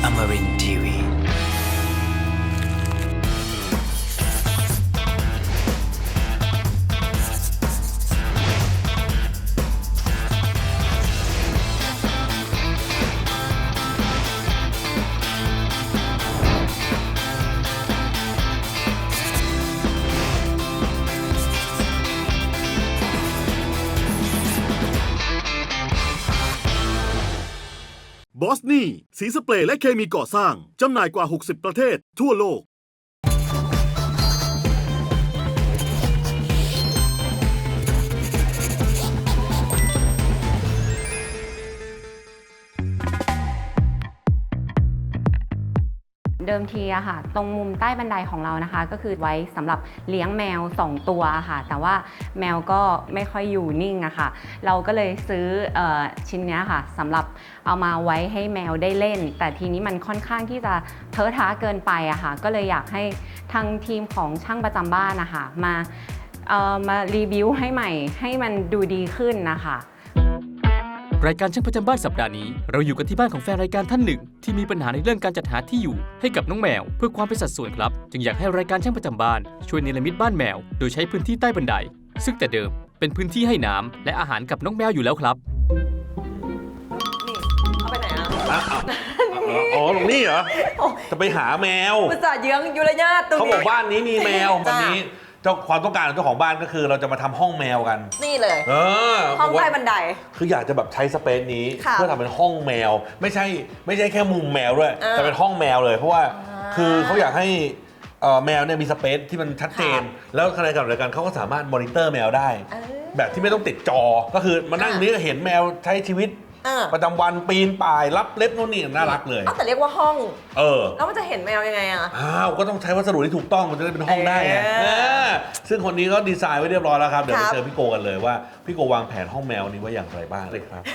Amarin Tiwi. บอสนี่สีสเปรย์และเคมีก่อสร้างจำหน่ายกว่า 60 ประเทศทั่วโลกเดิมทีอะค่ะตรงมุมใต้บันไดของเรานะคะก็คือไว้สำหรับเลี้ยงแมว2ตัวค่ะแต่ว่าแมวก็ไม่ค่อยอยู่นิ่งอะค่ะเราก็เลยซื้อชิ้นนี้ค่ะสำหรับเอามาไว้ให้แมวได้เล่นแต่ทีนี้มันค่อนข้างที่จะเทอะทะเกินไปอะค่ะก็เลยอยากให้ทางทีมของช่างประจำบ้านนะคะมารีวิวให้ใหม่ให้มันดูดีขึ้นนะคะรายการช่างประจำบ้านสัปดาห์นี้เราอยู่กันที่บ้านของแฟนรายการท่านหนึ่งที่มีปัญหาในเรื่องการจัดหาที่อยู่ให้กับน้องแมวเพื่อความเป็นสัดส่วนครับจึงอยากให้รายการช่างประจำบ้านช่วยเนรมิตบ้านแมวโดยใช้พื้นที่ใต้บันไดซึ่งแต่เดิมเป็นพื้นที่ให้น้ำและอาหารกับน้องแมวอยู่แล้วครับนี่เอาไปไหนอ่ะอ๋อตรงนี้เหรอจะไปหาแมวอุตส่าห์เยื้องยุรญาติตรงนี้เขาบอกบ้านนี้มีแมววันนี้เจ้าความต้องการของเจ้าของบ้านก็คือเราจะมาทำห้องแมวกันนี่เลยห้องใต้บันไดคืออยากจะแบบใช้สเปซนี้เพื่อทำเป็นห้องแมวไม่ใช่แค่มุมแมวด้วยแต่เป็นห้องแมวเลยเพราะว่าคือเขาอยากให้แมวเนี่ยมีสเปซที่มันชัดเจนแล้วขณะเดียวกันเขาก็สามารถมอนิเตอร์แมวได้แบบที่ไม่ต้องติดจอก็คือมานั่งนี้ก็เห็นแมวใช้ชีวิตประจำวันปีนป่ายรับเล็บโน่นนี่น่ารักเลยแต่เรียกว่าห้องแล้วมันจะเห็นแมวยังไงอ่ะก็ต้องใช้วัสดุที่ถูกต้องมันจะได้เป็นห้องได้ไงซึ่งคนนี้ก็ดีไซน์ไว้เรียบร้อยแล้วครับเดี๋ยวไปเจอพี่โกกันเลยว่าพี่โกวางแผนห้องแมวนี้ไว้อย่างไรบ้างเลยครับ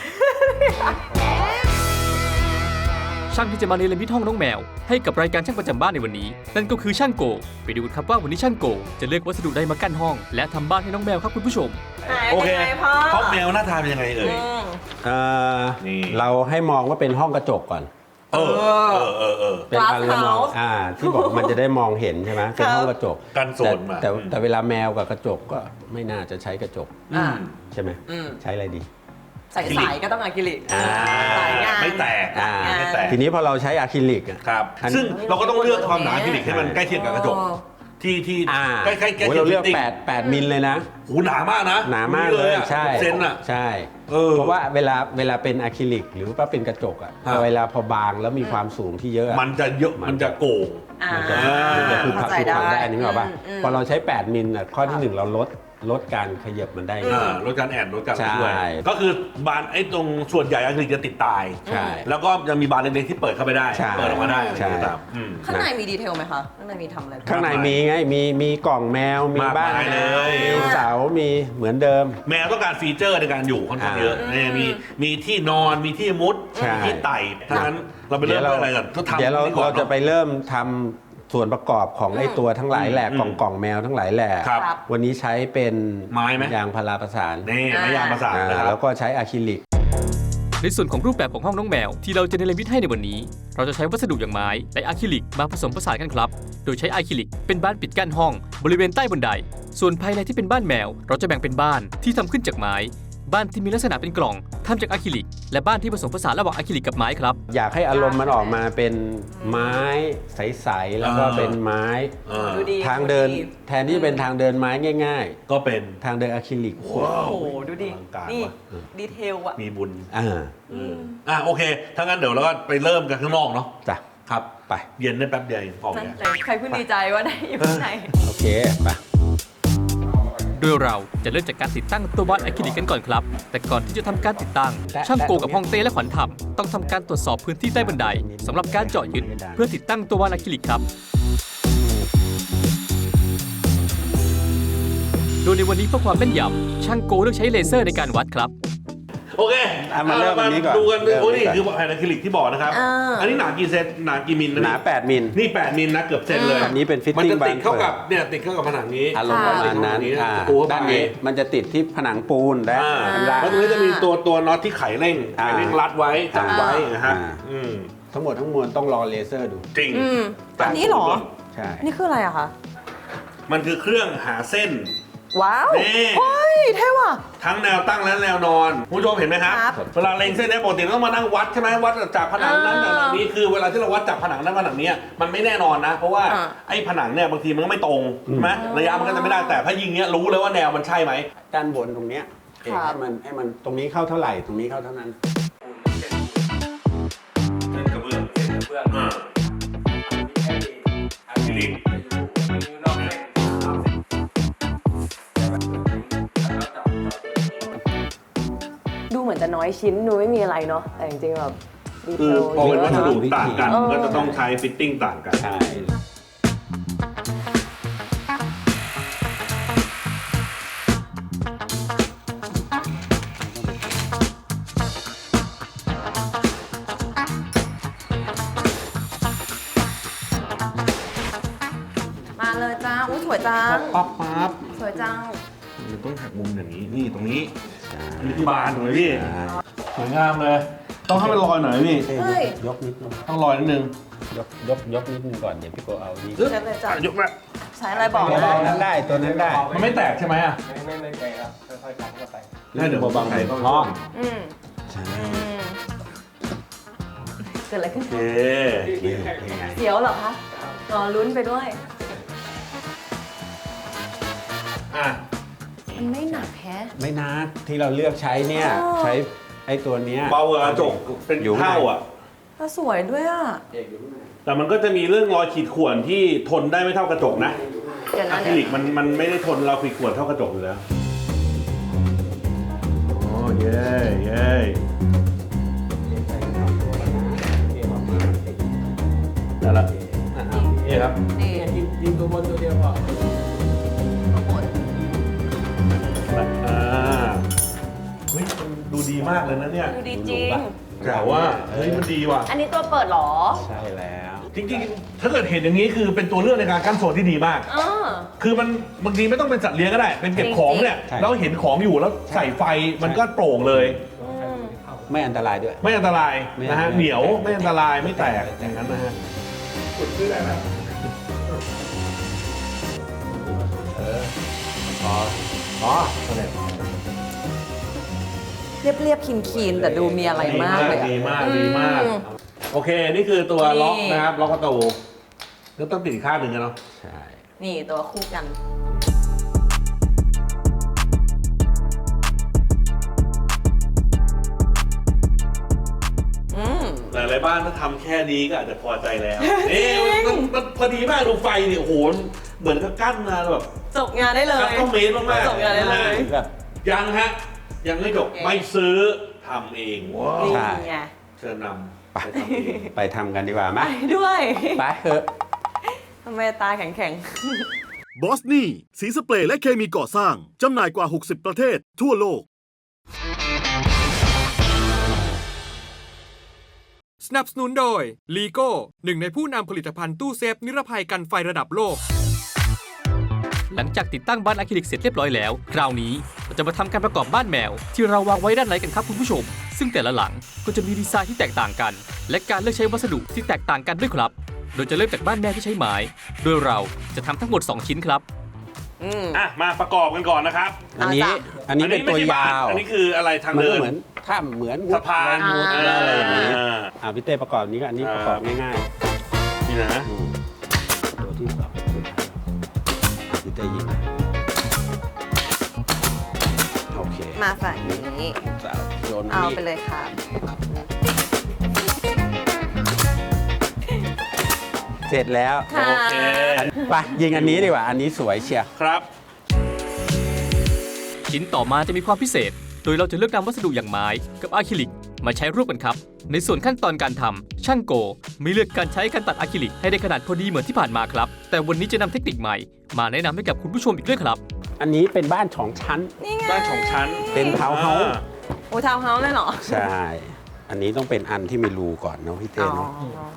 ช่างที่จะมาเนรมิตห้องน้องแมวให้กับรายการช่างประจำบ้านในวันนี้นั่นก็คือช่างโกไปดูกันครับว่าวันนี้ช่างโกจะเลือกวัสดุใดมากั้นห้องและทำบ้านให้น้องแมวครับคุณผู้ชมโอเคห้องแมวหน้าตาเป็นยังไงเอ่ยเราให้มองว่าเป็นห้องกระจกก่อนเป็นการมองที่บอกมันจะได้มองเห็นใช่ไหมเป็นห้องกระจกกันโซนมาแต่เวลาแมวกับกระจกก็ไม่น่าจะใช้กระจกใช่ไหมใช้อะไรดีใส่สายก็ต้องอะคริลิกไม่แตกทีนี้พอเราใช้อะคริลิกครับซึ่งเราก็ต้องเลือกความหนาอะคริลิกให้มันใกล้เคียงกับกระจกที่ใกล้เราเลือก8มิลเลยนะหนามากนะหนามากเลยใช่เซนอ่ะใช่เพราะว่าเวลาเป็นอะคริลิกหรือว่าเป็นกระจกอ่ะเวลาพอบางแล้วมีความสูงที่เยอะมันจะเยอะมันจะโก่งมันจะคือผักได้อันนี้หรอป่ะพอเราใช้8มิลข้อที่1เราลดการขยับมันได้ลดการแอนลดการช่วยก็คือบานไอ้ตรงส่วนใหญ่อะคริลิกจะติดตายแล้วก็ยังมีบานเล็กๆที่เปิดเข้าไปได้เปิดออกมาได้ข้างในมีดีเทลไหมคะข้างในมีทำอะไรข้างในมีไงมีกล่องแมวมีบ้านเลยมีเสามีเหมือนเดิมแมวต้องการฟีเจอร์ในการอยู่ค่อนข้างเยอะมีที่นอนมีที่มุดมีที่ไต่ทั้งนั้นเราไปเริ่มอะไรกันเดี๋ยวเราจะไปเริ่มทำส่วนประกอบของไอ้ตัวทั้งหลายแหล่กล่องแมวทั้งหลายแหล่วันนี้ใช้เป็นไม้ไหมยางพาราประสานนี่ไม้ยางประสานแล้วก็ใช้อะคริลิกในส่วนของรูปแบบของห้องน้องแมวที่เราจะเนรมิตให้ในวันนี้เราจะใช้วัสดุอย่างไม้และอะคริลิกมาผสมผสานกันครับโดยใช้อะคริลิกเป็นบ้านปิดกั้นห้องบริเวณใต้บันไดส่วนภายในที่เป็นบ้านแมวเราจะแบ่งเป็นบ้านที่ทำขึ้นจากไม้บ้านที่มีลักษณะเป็นกล่องทำจากอะคริลิกและบ้านที่ผสมผสานระหว่างอะคริลิกกับไม้ครับอยากให้อารมณ์มันออกมาเป็นไม้ใสๆแล้วก็เป็นไม้ทางเดินแทนที่เป็นทางเดินไม้ง่ายๆก็เป็นทางเดินอะคริลิกโอ้โหดูดินี่ดีเทลอะมีบุญโอเคถ้างั้นเดี๋ยวเราก็ไปเริ่มกันข้างนอกเนาะจ้ะครับไปเย็นได้แป๊บเดียวออกเลยใครเพิ่งดีใจว่าได้อยู่ข้างในโอเคไปโดยเราจะเริ่มจากการติดตั้งตัวบ้านอะคริลิกกันก่อนครับแต่ก่อนที่จะทำการติดตั้งช่างโกกับฮ่องเต้และขวัญธรรมต้องทำการตรวจสอบพื้นที่ใต้บันไดสำหรับการเจาะยึดเพื่อติดตั้งตัวบ้านอะคริลิกครับโดยในวันนี้เพื่อความแม่นยำช่างโกเลือกใช้เลเซอร์ในการวัดครับโอเคมาเริ่มอันนี้ก่อนดูกันโอ้นี่คือแผ่นอะคริลิกที่บอกนะครับอันนี้หนากี่เซนหนากี่มิลหนา8มิลนี่8มิลนะเกือบเซนเลยอันนี้เป็นฟิตติ้งมันจะติดเข้ากับเนี่ยติดเข้ากับผนังนี้อารมณ์ประมาณนั้นด้านนี้มันจะติดที่ผนังปูนแล้วตรงนี้จะมีตัวน็อตที่ไขเร่งรัดไว้จับไว้นะฮะทั้งหมดทั้งมวลต้องรอเลเซอร์ดูจริงอันนี้เหรอใช่นี่คืออะไรอะคะมันคือเครื่องหาเส้นว้าวนี่เฮ้ยเท่ว่ะทั้งแนวตั้งและแนวนอนคุณผู้ชมเห็นไหมครับครับเวลาเล็งเส้นเนี้ยปกติต้องมานั่งวัดใช่ไหมวัดจากผนังนั้นผนังนี้คือเวลาที่เราวัดจากผนังนั้นผนังนี้มันไม่แน่นอนนะ เพราะว่าไอ้ผนังเนี่ยบางทีมันก็ไม่ตรงใช่ไหมระยะมันก็จะไม่ได้แต่ถ้ายิงเนี้ยรู้เลยว่าแนวมันใช่ไหมด้านบนตรงเนี้ยให้มันตรงนี้เข้าเท่าไหร่ตรงนี้เข้าเท่านั้นเส้นกระเบื้องเส้นกระเบื้องอะคริลิกดูเหมือนจะน้อยชิ้นดูไม่มีอะไรเนาะแต่จริงๆแบบดีเทคือลพอเป็นวัสดุเยอะนะต่างกันก็จะต้องใช้ฟิตติ้งต่างกันใช่มาเลยจ้าอุ้ยสวยจังปั๊บปั๊บสวยจังมันต้องหักมุมอย่างนี้นี่ตรงนี้อันนี้คือบานถูกไหมพี่สวยงามเลย ต้องให้มันลอยหน่อยพี่เฮ้ยยกนิดนึงต้องลอยนิดนึงยกนิดนึงก่อนเดี๋ยวพี่โกเอานี่ใช่เลยจ้ะยกละใช้อะไรบอกตัวนะนั้นได้ตัวนั้นได้มันไม่แตกใช่ไหมอ่ะไม่ไกลครับค่อยๆกันเข้าไปแล้วเดี๋ยวบางๆใส่ต้องอ๋ออืมใช่อืมเกิดอะไรขึ้นโอเคนี่เป็นไงเสียวเหรอคะรอลุ้นไปด้วยอ่ะมันไม่หนักแฮะไม่นักที่เราเลือกใช้เนี่ยอ๋อใช้ไอ้ตัวเนี้ยเบากว่ากระจกเป็นอยู่ข้างในเท่าอ่ะแล้วสวยด้วยอ่ะแต่มันก็จะมีเรื่องรอยขีดข่วนที่ทนได้ไม่เท่ากระจกนะเดี๋ยวอะนะคริลิกมันไม่ได้ทนเราขีดข่วนเท่ากระจกอยู่แล้วโอ้เย้เย้ได้ละนี่ครับนี่ยิงตัวบนตัวเดียวพอข้างบนเฮ้ยมันดูดีมากเลยนะเนี่ยดูดีจริงแต่ว่าเฮ้ยมันดีว่ะอันนี้ตัวเปิดเหรอใช่แล้วจริงๆ ถ้าเกิดเห็นอย่างนี้คือเป็นตัวเลือกในการกั้นโซนที่ดีมากเออคือมันบางทีไม่ต้องเป็นสัตว์เลี้ยงก็ได้ เป็นเก็บของเนี่ยใช่แล้วเห็นของอยู่แล้วใส่ไฟมันก็โปร่งเลยไม่อันตรายด้วยไม่อันตรายนะฮะไม่เหนียวไม่อันตรายไม่แตกอย่างนั้นนะฮะอ๋อเรียบๆคีนๆแต่ดูมีอะไรมากเลยอะดีมากดีมากอืมโอเค นี่คือตัวล็อกนี่นะครับ ล็อกประตูแล้วต้องติดอีกข้างหนึ่งกันเนาะใช่นี่ตัวคู่กัน อืมหลายๆบ้านถ้าทำแค่นี้ก็อาจจะพอใจแล้ว มันพอดีมากดูไฟนี่โอ้โหเหมือนกับกั้นมาแบบจบงานได้เลยคัสตอมเมดมากๆจบงานได้เลยแบบยังฮะ ยังไม่จบโอเคไม่ซื้อทำเองว้าวนี่ใช่ไงเชิญนำไปทำเองไปทำกันดีกว่าไหมไปด้วยไปเถอะทำไมตาแข็งบอสนี่สีสเปรย์และเคมีก่อสร้าง จำหน่ายกว่า 60 ประเทศทั่วโลกสนับสนุนโดย ลีโก้หนึ่งในผู้นำผลิตภัณฑ์ตู้เซฟนิรภัยกันไฟระดับโลกหลังจากติดตั้งบ้านอะคริลิกเสร็จเรียบร้อยแล้ว คราวนี้เราจะมาทำการประกอบบ้านแมว ที่เราวางไว้ด้านไหนกันครับคุณผู้ชม ซึ่งแต่ละหลังก็จะมีดีไซน์ที่แตกต่างกัน และการเลือกใช้วัสดุที่แตกต่างกันด้วยครับ โดยจะเริ่มจากบ้านแมวที่ใช้ไม้ โดยเราจะทำทั้งหมด 2 ชิ้นครับๆ อืมอ่ะ มาประกอบกันก่อนนะครับอันนี้เอาจ้ะอันนี้เป็นตัวยาวอันนี้คืออะไรทางมันเดิก็นเหมือนถ้ำเหมือนวุสะพานมุดอะไรอย่างนี้อ่าพี่เต้ประกอบนี้ก็อันนี้ประกอบง่ายนี่นะๆตัวที่สองพี่เต้ยิงโอเคมาฝั่งนี้โยนเอานี่ไปเลยค่ะเสร็จแล้วค่ะโอเคไปยิงอันนี้ดีกว่า อันนี้สวยเชียวครับชิ้นต่อมาจะมีความพิเศษ โดยเราจะเลือกนำวัสดุอย่างไม้กับอะคริลิกมาใช้ร่วมกันครับ ในส่วนขั้นตอนการทำช่างโกไม่เลือกการใช้การตัดอะคริลิกให้ได้ขนาดพอดีเหมือนที่ผ่านมาครับ แต่วันนี้จะนำเทคนิคใหม่มาแนะนำให้กับคุณผู้ชมอีกด้วยครับอันนี้เป็นบ้านสองชั้นนี่ไงบ้านสองชั้นเป็นทาวน์เฮาส์โอ้ทาวน์เฮาส์เลยเหรอใช่ อันนี้ต้องเป็นอันที่มีรูก่อนเนาะพี่เต้อ๋อเนาะ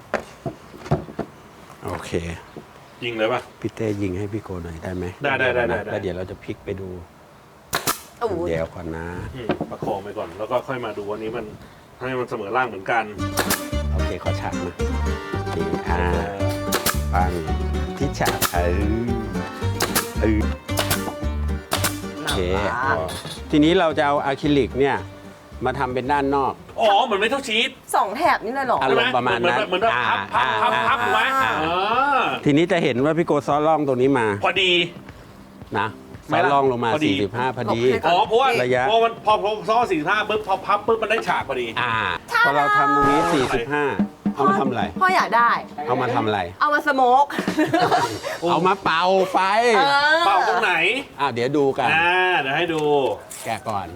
โอเคยิงเลยป่ะพี่เต้ยิงให้พี่โกหน่อยได้ไหมได้แล้วเดี๋ยวเราจะพลิกไปดูโอ้ยเดี๋ยวก่อนนะประคองไปก่อน แล้วก็ค่อยมาดูวันนี้มันให้มันเสมอร่างเหมือนกันโอเคเคขอฉากมานี่ปังที่ฉากโอเคทีนี้เราจะเอาอะคริลิกเนี่ยมาทำเป็นด้านนอกอ๋อเหมือนไม่เท่าชีส 2 แถบนี่เลยเหรออารมณ์ประมาณนั้นเหมือนแบบพับถูกไหมทีนี้จะเห็นว่าพี่โกซ้อนร่องตรงนี้มาพอดีนะซ้อนร่องลงมาพอดี 45พอดีอ๋อเพราะว่าระยะพอมันพอซ้อ45ปุ๊บพอพับปุ๊บมันได้ฉากพอดีพอเราทำตรงนี้45เอามาทำอะไรพ่ออยากได้เอามาทำอะไรเอามาสโมกเอามาเป่าไฟเป่าตรงไหนเดี๋ยวดูกันเดี๋ยวให้ดูแกะก่อน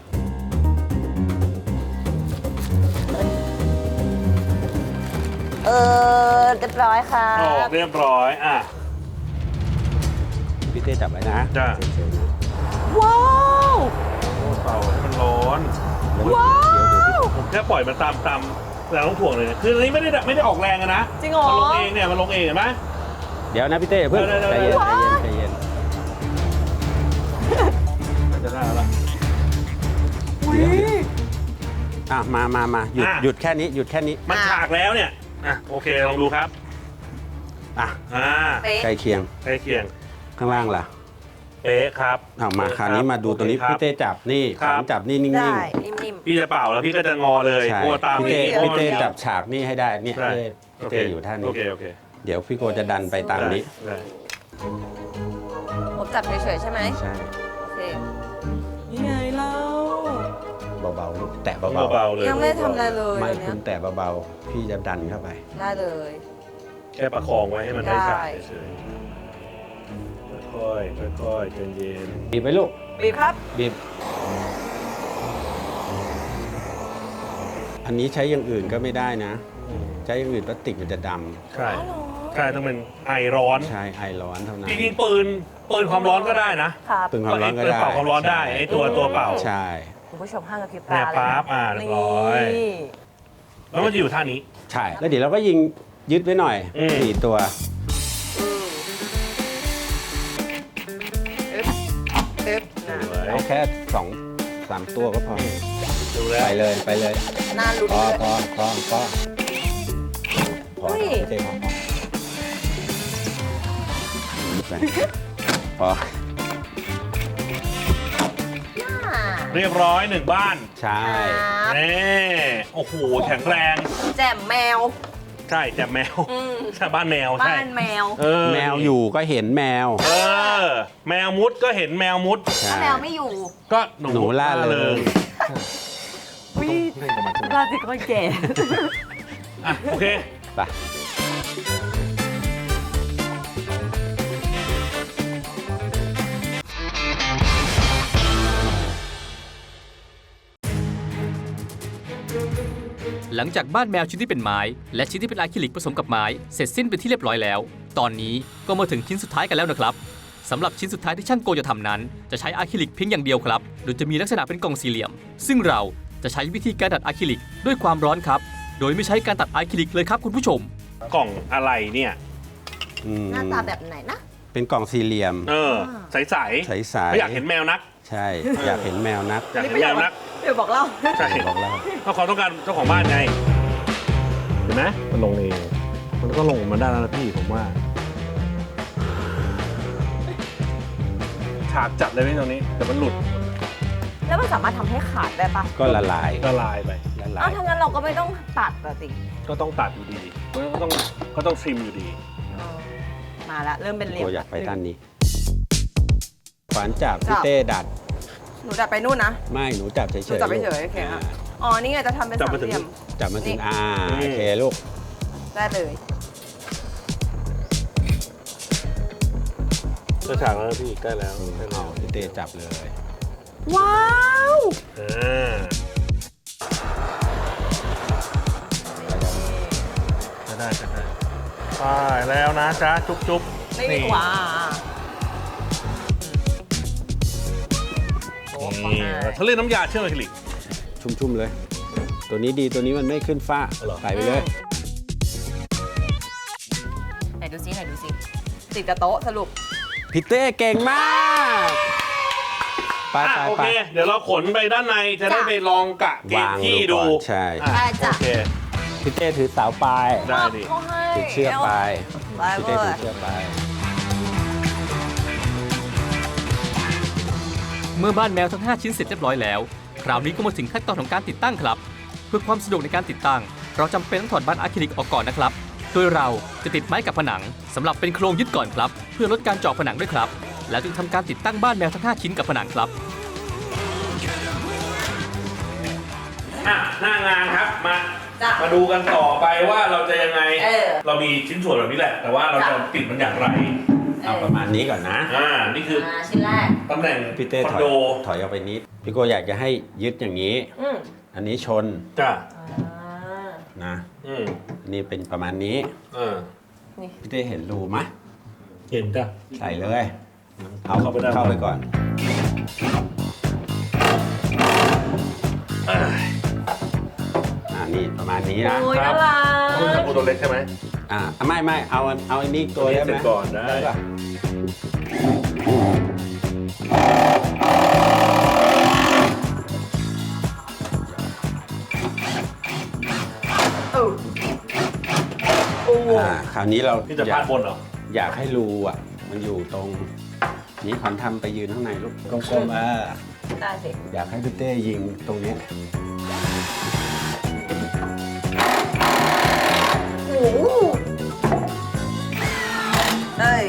เรียบร้อยค่ะออกเรียบร้อยพี่เต้จับไว้นะจ้ะเฉยๆนะว้าวเป่าให้มันร้อนว้าวผมแค่ปล่อยมันตามแรงโน้มถ่วงเลยคืออันนี้ไม่ได้ออกแรงนะจริงเหรอมันลงเองเนี่ยมันลงเองเห็นไหมเดี๋ยวนะพี่เต้เพิ่งเดี๋ยวใจเย็นใจเย็นจะได้แล้วล่ะมาหยุดแค่นี้หยุดแค่นี้มันฉากแล้วเนี่ยโอเคลองดูครับใกล้เคียงใกล้เคียงข้างล่างล่ะเป๊ะครับมาคราวนี้มาดูตัวนี้โอเคครับพี่เต้จับนี่ครัขบวัญจับนี่นิ่งได้ นิ่มพี่จะเป่าแล้วพี่ก็จะงอเลยๆใช่กลัวตามพี่เต้จับฉากนี่ให้ได้เนี่ยใช่พี่เต้อยู่ท่านี้โอเคเดี๋ยวพี่โกจะดันไปตามนี้ได้ๆผมจับเฉยๆใช่ไหมใช่โอเคยังไงเล่าเบาๆลูกแตะเบาเบาๆเลยยังไม่ได้ทำอะไรเลยๆไม่วันเนี้คุยณแตะเบาๆพี่จะดันเข้าไปได้เลยแค่ประคองไว้ให้มันได้ฉากได้เฉยๆค่อยๆใจเย็นบีบไปลูกบีบครับบีบอันนี้ใช้อย่างอื่นก็ไม่ได้นะ ใช้อย่างอื่นพลาสติกมันจะดใช่ต้องเป็นไอร้อนำใช่ไอร้อนเท่านั้นจริงๆปืนความร้อนก็ได้นะครับตึงความร้อนก็ได้เป่าความร้อนได้ไอตัวเป่าใช่คุณผู้ชมห้ามกระพริบเนี่ตาย เลยปั๊บเรียบร้อยนี่แล้วมันจะอยู่ท่านี้ใช่ แล้วเดี๋ยวเราก็ยิงยึดไว้หน่อย 4 ตัว เอาแค่ 2-3 ตัวก็พอดูแล้วไปเลยน่าลุ้นพอเลยพอเฮ้ยพี่เต้พอเรียบร้อย1บ้านใช่นี่โอ้โหแข็งแรงแจ่มแมวใช่แต่แมวใช่บ้านแมวใช่บ้านแมวแมวอยู่ก็เห็นแมวแมวมุดก็เห็นแมวมุดใช่ถ้าแมวไม่อยู่ก็หนูล่าเริงวิราศีก็แก่โอเคไปหลังจากบ้านแมวชิ้นที่เป็นไม้ และชิ้นที่เป็นอะคริลิกผสมกับไม้เสร็จสิ้นเป็นที่เรียบร้อยแล้ว ตอนนี้ก็มาถึงชิ้นสุดท้ายกันแล้วนะครับสำหรับชิ้นสุดท้ายที่ช่างโกจะทำนั้น จะใช้อะคริลิกเพียงอย่างเดียวครับโดยจะมีลักษณะเป็นกล่องสี่เหลี่ยม ซึ่งเราจะใช้วิธีการตัดอะคริลิกด้วยความร้อนครับโดยไม่ใช้การตัดอะคริลิกเลยครับคุณผู้ชมกล่องอะไรเนี่ยหน้าตาแบบไหนนะเป็นกล่องสี่เหลี่ยมใสใสๆๆไม่อยากเห็นแมวนักใช่ อยากเห็นแมวนักอยากเห็นแมวนักเดี๋ยวบอกเล่าใช่บอกเล่าเพราะเขาต้องการเจ้าของบ้านไงเห็นไหมมันลงเองมันก็ลงมาได้แล้วนะพี่ผมว่าฉากจัดเลยพี่ตรงนี้แต่มันหลุดแล้วมันสามารถทำให้ขาดได้ปะก็ละลายละลายไปละลาอ้าวย ถ้างั้นเราก็ไม่ต้องตัดอะสิก็ต้องตัดอยู่ดีก็ต้องทริมอยู่ดีมาละเริ่มเป็นเหลี่ยมตัวอยากไปด้านนี้ขวานจับพี่เต้ดัดหนูจับไปนู่นนะไม่หนูจับเฉยๆหนูจับเฉยๆโอเคค่ะ อ๋อ นี่ไงจะทำเป็นจับสามมาถึงเหลี่ยมจับมาถึงนี่โอเคลูกได้เลยก็ฉากแล้วพี่ใกล้แล้วเอาพี่เต้จับเลยว้าวจะได้ไปแล้วนะจ๊ะจุ๊บไม่ดีกว่านี่เขาเรียกน้ำยาเชื่อมอะคริลิกชุ่มๆเลย ตัวนี้ดีตัวนี้มันไม่ขึ้นฝ้าเหรอใส่ไปเลยไหนดูซิติดกับโต๊ะสรุปพี่เต้เก่งมาก ไปโอเค เดี๋ยวเราขนไปด้านในจะได้ไปลองกะเกณฑ์ที่ดูใช่ได้จ้ะโอเคพี่เต้ถือเสาปลายได้ดิเขาให้ถือเชือกปลายได้พี่เว้เต้ถืยอเชือกปลายเมื่อบ้านแมวทั้ง 5 ชิ้นเสร็จเรียบร้อยแล้ว คราวนี้ก็มาถึงขั้นตอนของการติดตั้งครับ เพื่อความสะดวกในการติดตั้ง เราจำเป็นต้องถอดบ้านอะคริลิกออกก่อนนะครับ โดยเราจะติดไม้กับผนังสำหรับเป็นโครงยึดก่อนครับ เพื่อลดการเจาะผนังด้วยครับ แล้วจึงทำการติดตั้งบ้านแมวทั้ง 5 ชิ้นกับผนังครับหน้างานครับมาจ้ะมาดูกันต่อไปว่าเราจะยังไงเออเรามีชิ้นส่วนแบบนี้แหละ แต่ว่าเราจะติดมันอย่างไรเอาประมาณนี้ก่อนนะนี่คือชิ้นแรกตำแหน่งพี่เต้คอนถอยโดถอยออกไปนิด พี่โกอยากจะให้ยึดอย่างนี้อืมอันนี้ชนจ้ะนะอืมอันนี้เป็นประมาณนี้ พี่เต้เห็นรูไหมเห็นจ้ะใส่เลยเอาเข้าไปได้เข้าไปก่อน นี่ประมาณนี้นะโอ้ยน่ารักคุณจะปูตัวเล็กใช่ไหมไม่เอาอันนี้ตัวได้ไหมเสร็จก่อนได้ปะ คราวนี้เราที่จะพาดบนเหรออยากให้รูมันอยู่ตรง นี้ขวัญทำไปยืนข้างในลูกกลมๆได้สิอยากให้พี่เต้ยิงตรงนี้โอ้โหเอ้ย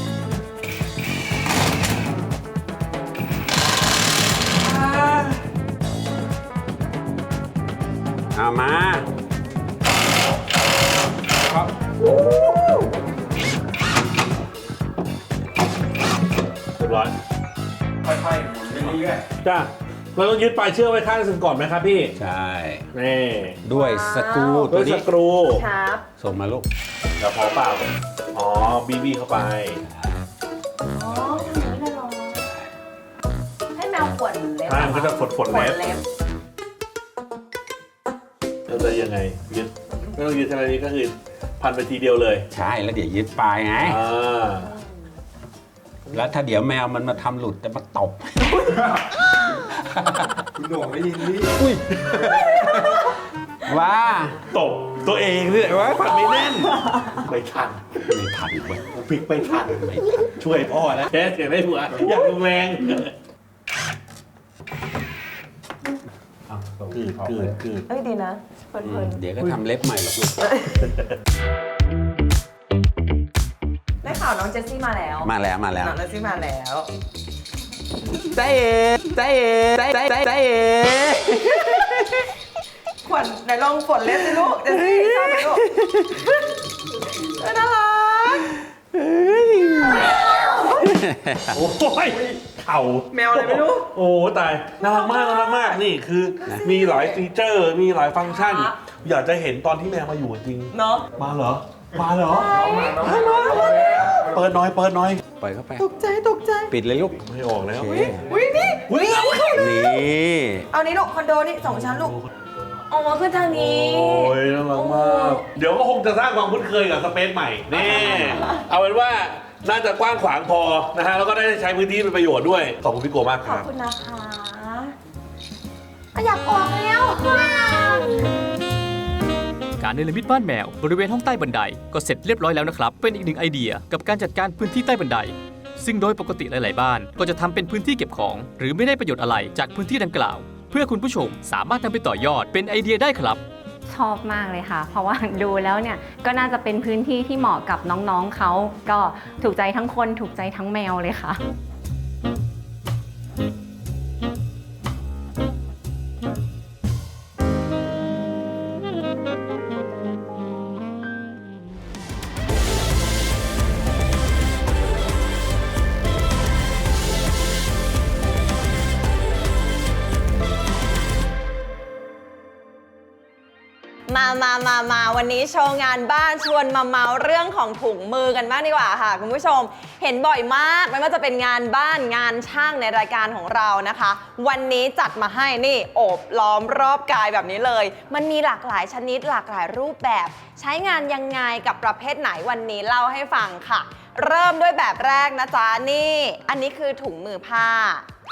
เอามาครับเรียบร้อยค่อยๆหมุนไปเรื่อยจ้ะเราต้องยึดปลายเชือกไว้ข้างหนึ่งก่อนไหมครับพี่ใช่นี่ด้วยสกรูด้ตัววยสนี้กรูครับส่งมาลูกเดี๋ยวพอเปล่าอ๋อบีเข้าไปอ๋ออย่างนี้เลยเหรอให้แมวขวนเล็บมันก็จะฝนขวนเล็บเล็บเราจะยังไงยึดไม่ต้องยึดอะไรนี้ก็คือพันไปทีเดียวเลยใช่แล้วเดี๋ยวยึดปลายไง แล้วถ้าเดี๋ยวแมวมันมาทำหลุดจะมาตบคุณโหน่งได้ยินนี่อุ้ยว่าตบตัวเองเนี่ยว่าพันไม่แน่นไม่ทันไม่ทันเว้ยพลิกไม่ทันไม่ทันช่วยพ่อนะแค่อยากได้ผัวอยากลงแรงกืดเอ้ยดีนะเพลินเดี๋ยวก็ทำเล็บใหม่หรอกลูกๆได้ข่าวน้องเจสซี่มาแล้วมาแล้วน้องเจสซี่มาแล้วเต้เต้เต้เต้เต้ขวัญไหนลองฝนเล็บสิลูกเจสซี่ชอบไหมลูกน่ารักโอ้ยเข่าแมวอะไรไม่รู้โอ้ตายน่ารักมากนี่คือมีหลายฟีเจอร์มีหลายฟังก์ชันครับอยากจะเห็นตอนที่แมวมาอยู่จริงเนาะมาเหรอ มาเหรอ เปิดน้อยปล่อยเข้าไปตกใจปิดเลยลูกไม่ออกแล้วโอเคอุ้ยนี่นี่เอานี้ลูกคอนโดนี่2 ชั้นลูกออกมาขึ้นทางนี้โอ้ยน่ารักมาก เดี๋ยวก็คงจะสร้างความคุ้นเคยกับสเปซใหม่แน่เอาเป็นว่าน่าจะกว้างขวางพอนะฮะแล้วก็ได้ใช้พื้นที่เป็นประโยชน์ด้วย ขอบคุณพี่โกมากคขอบรับคุณนะคะอยากออกแล้วการเนรมิตบ้านแมวบริเวณห้องใต้บันไดก็เสร็จเรียบร้อยแล้วนะครับ เป็นอีกหนึ่งไอเดียกับการจัดการพื้นที่ใต้บันได ซึ่งโดยปกติหลาย ๆ บ้านก็จะทำเป็นพื้นที่เก็บของ หรือไม่ได้ประโยชน์อะไรจากพื้นที่ดังกล่าว เพื่อคุณผู้ชมสามารถนำไปต่อยอดเป็นไอเดียได้ครับชอบมากเลยค่ะ เพราะว่าดูแล้วเนี่ยก็น่าจะเป็นพื้นที่ที่เหมาะกับน้องๆเขาก็ถูกใจทั้งคนถูกใจทั้งแมวเลยค่ะมาวันนี้โชว์งานบ้านชวนมาเมาเรื่องของถุงมือกันบ้างดีกว่าค่ะคุณผู้ชมเห็นบ่อยมากไม่ว่าจะเป็นงานบ้านงานช่างในรายการของเรานะคะ วันนี้จัดมาให้นี่โอบล้อมรอบกายแบบนี้เลยมันมีหลากหลายชนิดหลากหลายรูปแบบใช้งานยังไงกับประเภทไหนวันนี้เล่าให้ฟังค่ะ เริ่มด้วยแบบแรกนะจ๊ะนี่อันนี้คือถุงมือผ้า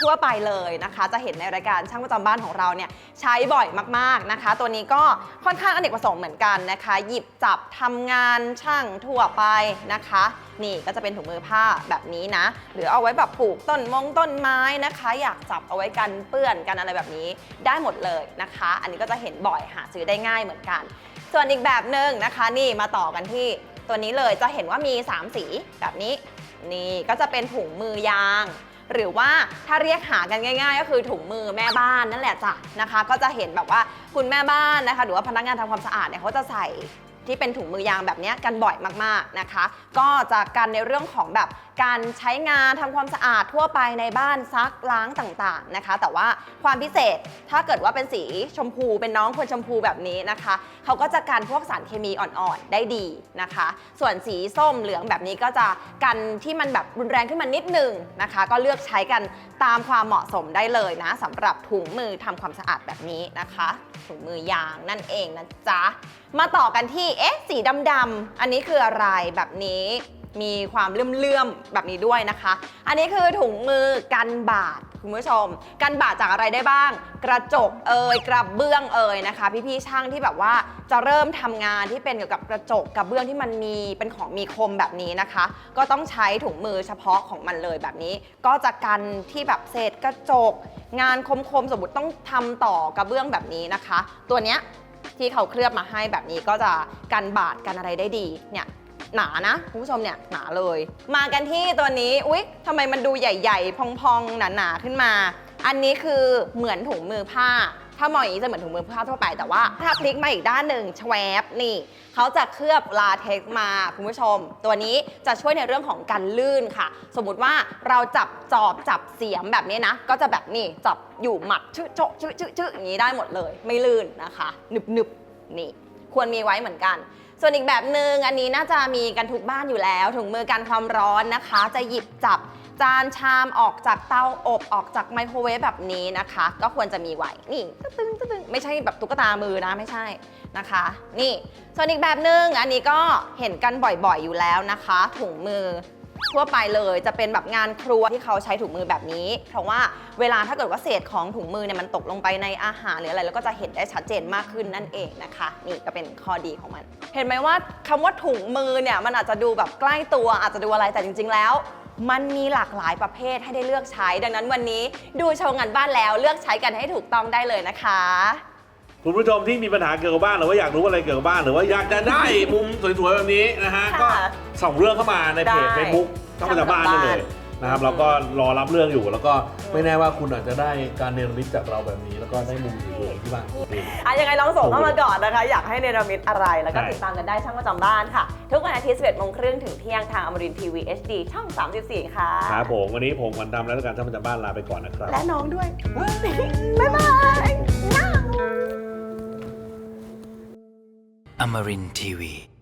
ทั่วไปเลยนะคะจะเห็นในรายการช่างประจำบ้านของเราเนี่ยใช้บ่อยมากๆนะคะตัวนี้ก็ค่อนข้างอเนกประสงค์เหมือนกันนะคะหยิบจับทำงานช่างทั่วไปนะคะนี่ก็จะเป็นถุงมือผ้าแบบนี้นะหรือเอาไว้แบบปลูกต้นไม้นะคะอยากจับเอาไว้กันเปื้อนกันอะไรแบบนี้ได้หมดเลยนะคะอันนี้ก็จะเห็นบ่อยหาซื้อได้ง่ายเหมือนกันส่วนอีกแบบหนึ่งนะคะนี่มาต่อกันที่ตัวนี้เลยจะเห็นว่ามี3สีแบบนี้นี่ก็จะเป็นถุงมือยางหรือว่าถ้าเรียกหากันง่ายๆก็คือถุงมือแม่บ้านนั่นแหละจ้ะนะคะก็จะเห็นแบบว่าคุณแม่บ้านนะคะหรือว่าพนักงานทำความสะอาดเนี่ยเขาจะใส่ที่เป็นถุงมือยางแบบนี้กันบ่อยมากๆนะคะก็จะกันในเรื่องของแบบการใช้งานทำความสะอาดทั่วไปในบ้านซักล้างต่างๆนะคะแต่ว่าความพิเศษถ้าเกิดว่าเป็นสีชมพูเป็นน้องคนชมพูแบบนี้นะคะเขาก็จะกันพวกสารเคมีอ่อนๆได้ดีนะคะส่วนสีส้มเหลืองแบบนี้ก็จะกันที่มันแบบรุนแรงขึ้นมานิดนึงนะคะก็เลือกใช้กันตามความเหมาะสมได้เลยนะสำหรับถุงมือทำความสะอาดแบบนี้นะคะถุงมือยางนั่นเองนะจ๊ะมาต่อกันที่สีดำๆอันนี้คืออะไรแบบนี้มีความเลื่อมๆแบบนี้ด้วยนะคะอันนี้คือถุงมือกันบาดคุณผู้ชมกันบาดจากอะไรได้บ้างกระจกกระเบื้องนะคะพี่ๆช่างที่แบบว่าจะเริ่มทำงานที่เป็นเกี่ยวกับกระจกกระเบื้องที่มันมีเป็นของมีคมแบบนี้นะคะก็ต้องใช้ถุงมือเฉพาะของมันเลยแบบนี้ก็จะกันที่แบบเศษกระจกงานคมๆสมมติต้องทำต่อกระเบื้องแบบนี้นะคะตัวเนี้ยที่เขาเคลือบมาให้แบบนี้ก็จะกันบาดกันอะไรได้ดีเนี่ยหนานะคุณผู้ชมเนี่ยหนาเลยมากันที่ตัวนี้อุ๊ยทำไมมันดูใหญ่ๆพองๆหนาๆขึ้นมาอันนี้คือเหมือนถุงมือผ้าถ้ามองอย่างนี้จะเหมือนถุงมือผ้าทั่วไปแต่ว่าถ้าพลิกมาอีกด้านหนึ่งแชวบนี่เขาจะเคลือบลาเท็กซ์มาคุณผู้ชมตัวนี้จะช่วยในเรื่องของการลื่นค่ะสมมุติว่าเราจับจอบจับเสียมแบบนี้นะก็จะแบบนี้จับอยู่หมัดชื่ออย่างนี้ได้หมดเลยไม่ลื่นนะคะหนึบนี่ควรมีไว้เหมือนกันส่วนอีกแบบหนึ่งอันนี้น่าจะมีกันทุกบ้านอยู่แล้วถุงมือกันความร้อนนะคะจะหยิบจับจานชามออกจากเตาอบออกจากไมโครเวฟแบบนี้นะคะก็ควรจะมีไว้นี่ตึ้งไม่ใช่แบบตุ๊กตามือนะไม่ใช่นะคะนี่ส่วนอีกแบบหนึ่งอันนี้ก็เห็นกันบ่อยๆอยู่แล้วนะคะถุงมือทั่วไปเลยจะเป็นแบบงานครัวที่เขาใช้ถุงมือแบบนี้เพราะว่าเวลาถ้าเกิดว่าเศษของถุงมือเนี่ยมันตกลงไปในอาหารหรืออะไรแล้วก็จะเห็นได้ชัดเจนมากขึ้นนั่นเองนะคะนี่ก็เป็นข้อดีของมันเห็นไหมว่าคำว่าถุงมือเนี่ยมันอาจจะดูแบบใกล้ตัวอาจจะดูอะไรแต่จริงๆแล้วมันมีหลากหลายประเภทให้ได้เลือกใช้ดังนั้นวันนี้ดูโชว์งานบ้านแล้วเลือกใช้กันให้ถูกต้องได้เลยนะคะคุณผู้ชมที่มีปัญหาเกี่ยวกับบ้านหรือว่าอยากรู้อะไรเกี่ยวกับบ้านหรือว่าอยากจะได้มุมสวยๆแบบนี้นะฮะก็ส่งเรื่องเข้ามาในเพจ Facebook ช่างประจำบ้านได้เลยนะครับเราก็รอรับเรื่องอยู่แล้วก็ไม่แน่ว่าคุณอาจจะได้การเนรมิตจากเราแบบนี้แล้วก็ได้มุมสวยๆที่บ้านยังไงลองส่งเข้ามาก่อนนะคะอยากให้เนรมิตอะไรแล้วก็ติดตามกันได้ช่างประจำบ้านค่ะทุกวันอาทิตย์ 11:30 นถึงเที่ยงทางอมรินทร์ทีวี HD ช่อง 34 ค่ะครับผมวันนี้ผมวันดำและการช่างประจำบ้านลาไปก่อนนะครับและน้องด้วยบ๊ายบาย Amarin Tiwi